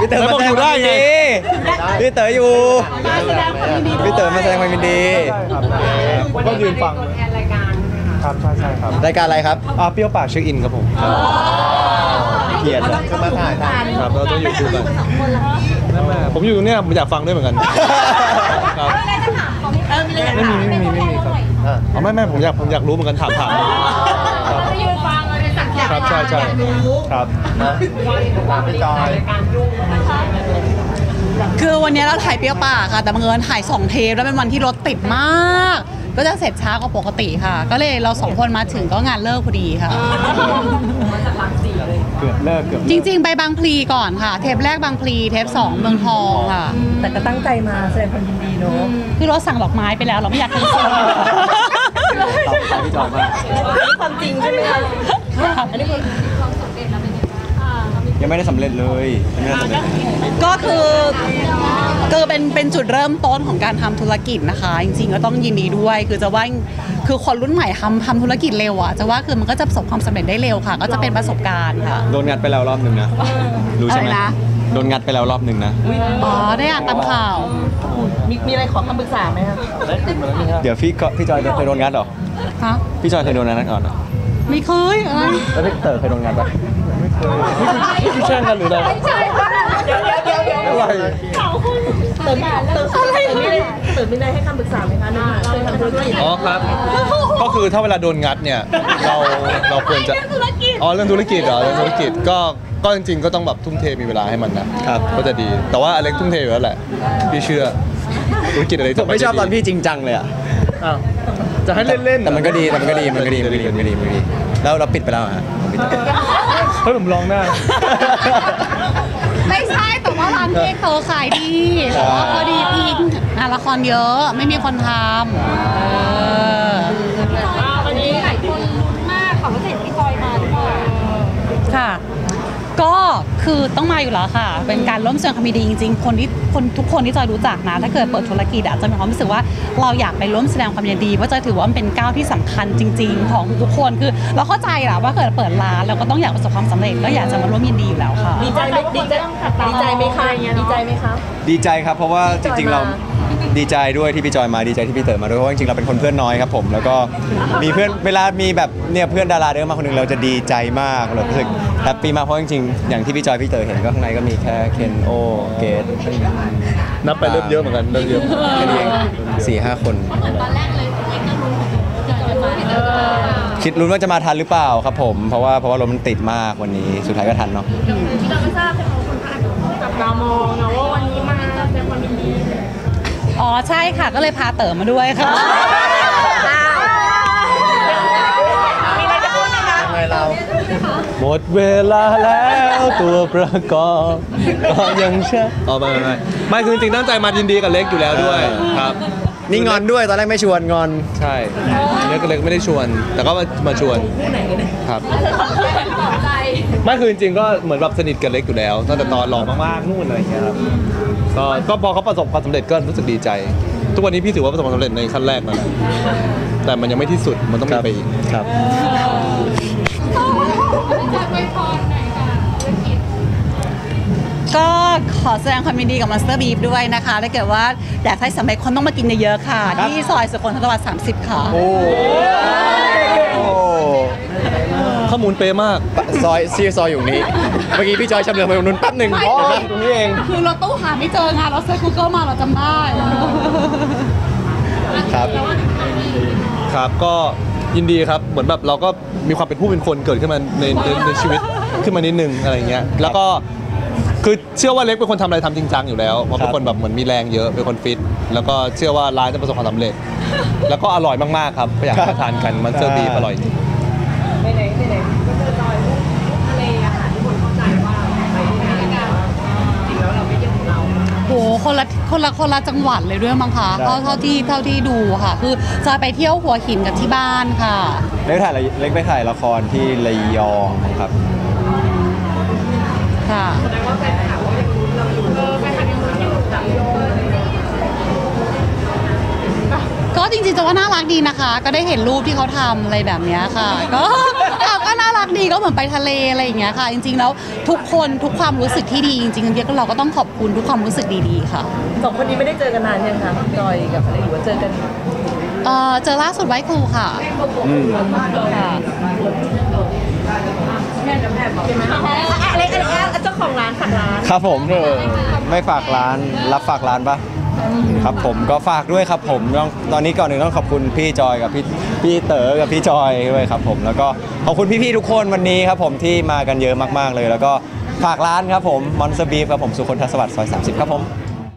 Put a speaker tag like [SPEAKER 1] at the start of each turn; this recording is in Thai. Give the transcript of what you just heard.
[SPEAKER 1] พี่เต๋อมาแสดงความยินดีพี่เต๋ออยู่พี่เต๋อมาแสดงความยินดี
[SPEAKER 2] ก็ยืนฟังครับใช่ครับ
[SPEAKER 1] รายการอะไรครับ
[SPEAKER 2] เปรี้ยวปากเช็คอินครับผม
[SPEAKER 1] เกียรติจะมาถ่าย
[SPEAKER 2] ครับเราต้องอยู่คู่กันผมอยู่ตรงนี้ผมอยากฟังด้วยเหมือนกันครับไม่มีครับไม่ผมอยากรู้เหมือนกันถาม
[SPEAKER 3] ยืนฟังเลยสักอย่าง
[SPEAKER 2] ครับใช่ครับพี่จอย
[SPEAKER 4] คือวันนี้เราถ่ายเปรี้ยวปากค่ะแต่บังเอิญถ่าย2 เทปแล้วเป็นวันที่รถติดมาก ก็จะเสร็จช้ากว่าปกติค่ะก็เลยเรา2 คนมาถึงก็งานเลิกพอดีค่ะ
[SPEAKER 2] เกือบเลิก
[SPEAKER 4] จริงๆไปบางพลีก่อนค่ะเทปแรกบางพลีเทป2เมืองทองค่ะ
[SPEAKER 3] แต่ก็ตั้งใจมาแสดงความยินดีเนาะ
[SPEAKER 4] คือเราสั่งดอกไม้ไปแล้วเราไม่อยากกินส้ม
[SPEAKER 2] พี่จอยมาก
[SPEAKER 3] ความจริงใช่ไหมคะอันนี้คือ
[SPEAKER 1] ยังไม่ได้สำเร็จเลย
[SPEAKER 4] ก็คือเป็นจุดเริ่มต้นของการทำธุรกิจนะคะจริงๆก็ต้องยินดีด้วยคือจะว่าคือคนรุ่นใหม่ทำธุรกิจเร็วอ่ะจะว่าคือมันก็จะประสบความสำเร็จได้เร็วค่ะก็จะเป็นประสบการณ์ค่ะ
[SPEAKER 1] โดนงัดไปแล้วรอบนึงนะรู้ใช่ไหมโดนงัดไปแล้วรอบนึงนะ
[SPEAKER 4] อ๋อได้อ่านตามข่าว
[SPEAKER 3] มีอะไรขอคำปรึกษาไหมคะ
[SPEAKER 1] เดี๋ยวพี่จอยเคยโดนงัดหรอ
[SPEAKER 4] ฮะ
[SPEAKER 1] พี่จอยเคยโดนงัดก่อน
[SPEAKER 4] ไม่เคยอะไร
[SPEAKER 1] แล้วพี่เต๋อเคยโดนงัดปะ
[SPEAKER 2] ไม่เคยนี่แช่งกันหรืออะไร
[SPEAKER 3] เดี๋ยวอะไรเติมไม่ได้ให้คำปรึกษาไหมคะเราทำธุรกิจ
[SPEAKER 2] อ๋อครับก็คือถ้าเวลาโดนงัดเนี่ยเราควรจะเรื่องธุรกิจเหรอเรื่องธุรกิจก็จริงๆก็ต้องแบบทุ่มเทมีเวลาให้มันนะครับก็จะดีแต่ว่าอเล็กทุ่มเทอยู่แล้วแหละพี่เชื่อธุรกิจอะไร
[SPEAKER 1] ผมไม่ชอบตอนพี่จริงจังเลยอ่ะ
[SPEAKER 2] จะให้เล่น
[SPEAKER 1] แต่มันก็ดีแล้วเราปิดไปแล้วฮะ
[SPEAKER 2] เฮ้ยผมลองหน้า
[SPEAKER 4] ไม่ใช่แต่ว่าร้านเค้กเธอขายดีแต่ว่าพอดีพี่ละครเยอะไม่มีคนท
[SPEAKER 3] ำวันนี้หลายคนลุ้นมากค่ะว่าจะเห็นพี่จอยมาหรือเปล่า
[SPEAKER 4] ค่ะก็คือต้องมาอยู่แล้วค่ะเป็นการร่วมแสดงความยินดีจริงๆทุกคนที่จอยรู้จักนะถ้าเกิดเปิดธุรกิจอาจจะมีความรู้สึกว่าเราอยากไปร่วมแสดงความยินดีเพราะจอยถือว่ามันเป็นก้าวที่สำคัญจริงๆของทุกคนคือเราเข้าใจแหละว่าเกิดเปิดร้านเราก็ต้องอยากประสบความสำเร็จก็อยากจะมาร่วมยินดีอยู่แล้วค่ะ
[SPEAKER 3] ดีใจไหมคะดีใจไหมคะ
[SPEAKER 1] ดีใจครับเพราะว่าจริงๆเราดีใจด้วยที่พี่จอยมาดีใจที่พี่เต๋อมาด้วยเพราะจริงๆเราเป็นคนเพื่อนน้อยครับผมแล้วก็มีเพื่อนเวลามีแบบเนี่ยเพื่อนดาราเดินมาคนนึงเราจะดีใจมากเรารู้สึกแฮปปี้มากเพราะจริงๆอย่างที่พี่จอยพี่เต๋อเห็นก็ข้างในก็มีแค่เคนโอเกต
[SPEAKER 2] นับไปเริ่มเยอะเหมือนกันเริ่มเยอะ
[SPEAKER 1] แค่นี้เอง4-5 คน
[SPEAKER 3] ตอนแรกเลย
[SPEAKER 1] คิดลุ้นว่าจะมาทันหรือเปล่าครับผมเพราะว่ารถมันติดมากวันนี้สุดท้ายก็ทันเนาะ
[SPEAKER 3] ที่เราไม่ทราบใช่ไหมคนอาจจะจับตามองนะว่าวันนี้มาแสดงความยินดี
[SPEAKER 4] อ๋อใช่ค่ะก็เลยพาเต๋อมาด้วยค่ะ
[SPEAKER 3] มีอะไรจะพูดไหมคะ
[SPEAKER 2] หมดเวลาแล้วตัวประกอบก็ยังเชื่อไม่คือจริงตั้งใจมายินดีกับเล็กอยู่แล้วด้วยครับ
[SPEAKER 1] นี่งอนด้วยตอนแรกไม่ชวนงอน
[SPEAKER 2] ใช่เล็กไม่ได้ชวนแต่ก็มาชวนครับไม่คือจริงๆก็เหมือนแบบสนิทกับเล็กอยู่แล้วตั้งแต่ตอนหล่อมากๆนู่นอะไรอย่างเงี้ยครับก็พอเขาประสบความสำเร็จก็รู้สึกดีใจทุกวันนี้พี่ถือว่าประสบความสำเร็จในขั้นแรกแล้วนะแต่มันยังไม่ที่สุดมันต้องมีไปอีก
[SPEAKER 1] ครับ
[SPEAKER 4] ก็ขอแสดงความยินดีกับ Monster Beef ด้วยนะคะถ้าเกิดว่าอยากให้สำเร็จคนต้องมากินเยอะๆค่ะที่ซอยสุขนทวัฒน์30ค่ะ
[SPEAKER 1] โอ้
[SPEAKER 2] ข้อมูลเป๊ะมาก
[SPEAKER 1] ซอยอยู่นี้เมื่อกี้พี่จอยชำเลืองไปตรงนู้นแป๊บหนึ่ง
[SPEAKER 2] ตรงนี้เอง
[SPEAKER 4] คือเราตู้หาไม่เจอไงเราเซิร์ช Google มาเราจำได้
[SPEAKER 2] ครับก็ยินดีครับเหมือนแบบเราก็มีความเป็นผู้เป็นคนเกิดขึ้นมาในชีวิตขึ้นมานิดนึงอะไรเงี้ยแล้วก็คือเชื่อว่าเล็กเป็นคนทำอะไรทำจริงจังอยู่แล้วเพราะเป็นคนแบบเหมือนมีแรงเยอะเป็นคนฟิตแล้วก็เชื่อว่าร้านจะประสบความสำเร็จแล้วก็อร่อยมากๆครับอยากมาทานกันมันเซอร์บีอร่อยจริง
[SPEAKER 3] ไหนก็จะจอยทะเลอาหารที่คนเข้าใจว่าไปที่ไหนกันจริงแล้วเราไม่เกี่ยวกับเรา
[SPEAKER 4] โหคนละจังหวัดเลยด้วยมั้งคะเท่าที่ดูค่ะคือจะไปเที่ยวหัวหินกับที่บ้านค่ะ
[SPEAKER 1] เล็กไปถ่ายละครที่ระยองครับ
[SPEAKER 4] ค่ะ
[SPEAKER 3] แสดงว่าแฟนคลับก็ยังรู้เราอยู่แฟนคลับยังรู้อยู่จับโย
[SPEAKER 4] ก็จริงๆจะว่าน่ารักดีนะคะก็ได้เห็นรูปที่เขาทำอะไรแบบนี้ค่ะก็น่ารักดีก็เหมือนไปทะเลอะไรอย่างเงี้ยค่ะ จริงๆแล้วทุกคนทุกความรู้สึกที่ดีจริงๆเราก็ต้องขอบคุณทุกความรู้สึกดีๆค่ะ
[SPEAKER 3] สองคนนี้ไม่ได้เจอกันนานยังคะจอยกับอะไรหรือว่าเจอกัน
[SPEAKER 4] เจอล่าสุดไว้ครูค่ะ ค่ะ
[SPEAKER 3] อะไรเจ้าของร้านฝากร้าน
[SPEAKER 1] ครับผมไม่ฝากร้านรับฝากร้านปะครับผมก็ฝากด้วยครับผมตอนนี้ก่อนหนึ่งต้องขอบคุณพี่จอยกับพี่เต๋อกับพี่จอยด้วยครับผมแล้วก็ขอบคุณพี่ๆทุกคนวันนี้ครับผมที่มากันเยอะมากๆเลย แล้วก็ฝากร้านครับผมมอนสเตอร์บีฟครับผมสุคนทศวรรษซอย30ครับผม